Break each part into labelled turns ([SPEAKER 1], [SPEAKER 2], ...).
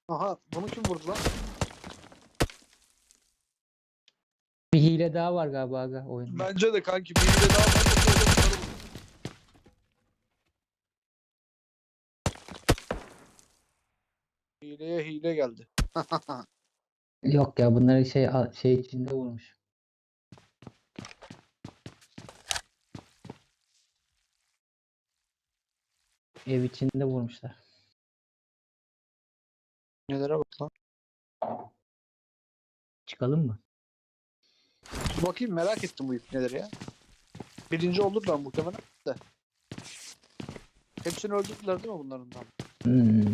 [SPEAKER 1] Aha bunu kim vurdu lan?
[SPEAKER 2] Bir hile daha var galiba aga oyunda.
[SPEAKER 1] Bence de kanki bir hile daha var. Hileye hile geldi.
[SPEAKER 2] Yok ya bunları şey içinde vurmuş. Ev içinde vurmuşlar.
[SPEAKER 1] Nelere bak lan.
[SPEAKER 2] Çıkalım mı?
[SPEAKER 1] Dur bakayım merak ettim bu ipneleri ya. Birinci olurlar muhtemelen de. Hepsini öldürdüler değil mi bunların da?
[SPEAKER 2] Hmm.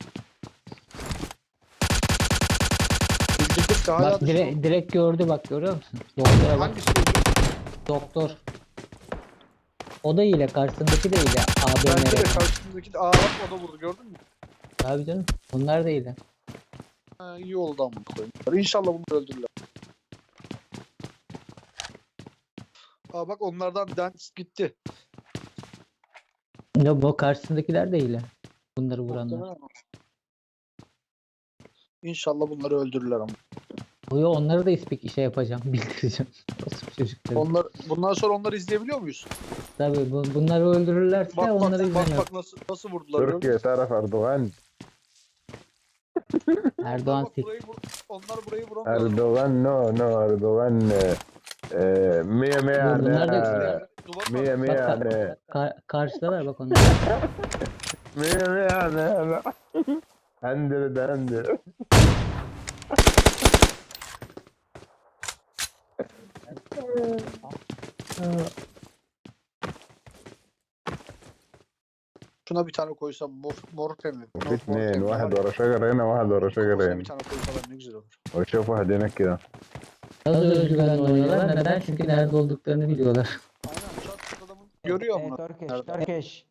[SPEAKER 1] Bildirdik de hala
[SPEAKER 2] Bak
[SPEAKER 1] dışarı...
[SPEAKER 2] direkt gördü bak görüyor musun? Doktora bak.
[SPEAKER 1] Hangisi öldü?
[SPEAKER 2] Doktor. O da hile karşısındaki de hile.
[SPEAKER 1] Bence de
[SPEAKER 2] ABM'ye.
[SPEAKER 1] karşımızdaki de... Aa bak o da vurdu gördün mü?
[SPEAKER 2] Tabii canım. Bunlar da hile.
[SPEAKER 1] Ha, iyi oldu ama koyayım. İnşallah bunu öldürürler. Aa bak onlardan bir tanesi gitti.
[SPEAKER 2] Ya bu karşısındakiler de hile. Bunları vuranlar.
[SPEAKER 1] Muhtemelen. İnşallah bunları öldürürler ama.
[SPEAKER 2] Yo onları da şey yapacağım, bildireceğim. Nasıl çocuklar.
[SPEAKER 1] Bundan sonra onları izleyebiliyor muyuz?
[SPEAKER 2] Tabii bunları öldürürlerse
[SPEAKER 1] Bak
[SPEAKER 2] onları
[SPEAKER 1] bak
[SPEAKER 2] izlemiyor.
[SPEAKER 1] bak nasıl vurdular gördün mü?
[SPEAKER 3] تركيا تعرف أردوغان.
[SPEAKER 2] Erdoğan
[SPEAKER 1] Bak
[SPEAKER 2] sik.
[SPEAKER 1] onlar burayı vuramıyor.
[SPEAKER 3] أردوغان نو أردوغان. مية مية
[SPEAKER 2] Bunlar da
[SPEAKER 3] يعني.
[SPEAKER 1] Duvarın
[SPEAKER 3] مية مية
[SPEAKER 2] bak
[SPEAKER 3] يعني.
[SPEAKER 2] karşıdalar bak onlar.
[SPEAKER 3] مية مية يعني. هندل.
[SPEAKER 1] Şuna bir tane koysam mor pembe.
[SPEAKER 3] في اثنين واحد ورا شجرة هنا واحد ورا شجرة
[SPEAKER 1] Bir
[SPEAKER 3] هنا.
[SPEAKER 1] tane koysalar ne güzel olur.
[SPEAKER 3] وشوف واحد هناك كده.
[SPEAKER 2] Nasıl özgüvenle oynuyorlar? Neden? Çünkü nerede olduklarını biliyorlar.
[SPEAKER 1] Aynen çat adamın görüyor ama.
[SPEAKER 4] Turkish.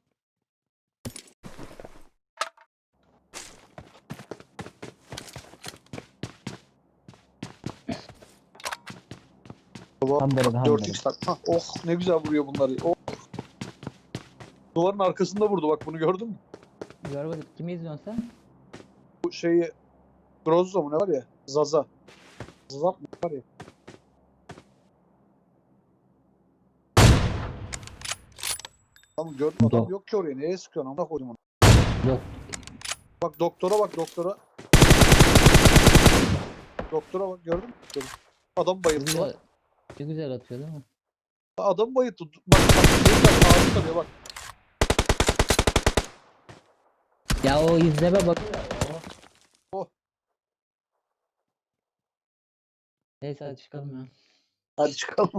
[SPEAKER 1] Baba,
[SPEAKER 4] Hamdere,
[SPEAKER 1] 4x tak. Hah, oh ne güzel vuruyor bunları. Oh. Duvarın arkasında vurdu bak bunu gördün mü?
[SPEAKER 2] Görmedim. Kimi izliyorsun sen?
[SPEAKER 1] Bu şeyi Grozzo mu ne var ya? Zaza. Zazap mı var ya? Tamam gördüm adam yok ki oraya. Nereye sıkıyorsun? Amına koydum onu.
[SPEAKER 2] Yok.
[SPEAKER 1] Bak doktora bak doktora. Doktora bak gördün mü? Adam bayıldı.
[SPEAKER 2] Güzel,
[SPEAKER 1] Bak.
[SPEAKER 2] güzel atıyor değil mi?
[SPEAKER 1] Adam bayıldı. Bak şey var, ağzı tarıyor bak.
[SPEAKER 2] Ya o izleme bak.
[SPEAKER 1] Oh.
[SPEAKER 2] Neyse hadi çıkalım ya.
[SPEAKER 1] Hadi çıkalım.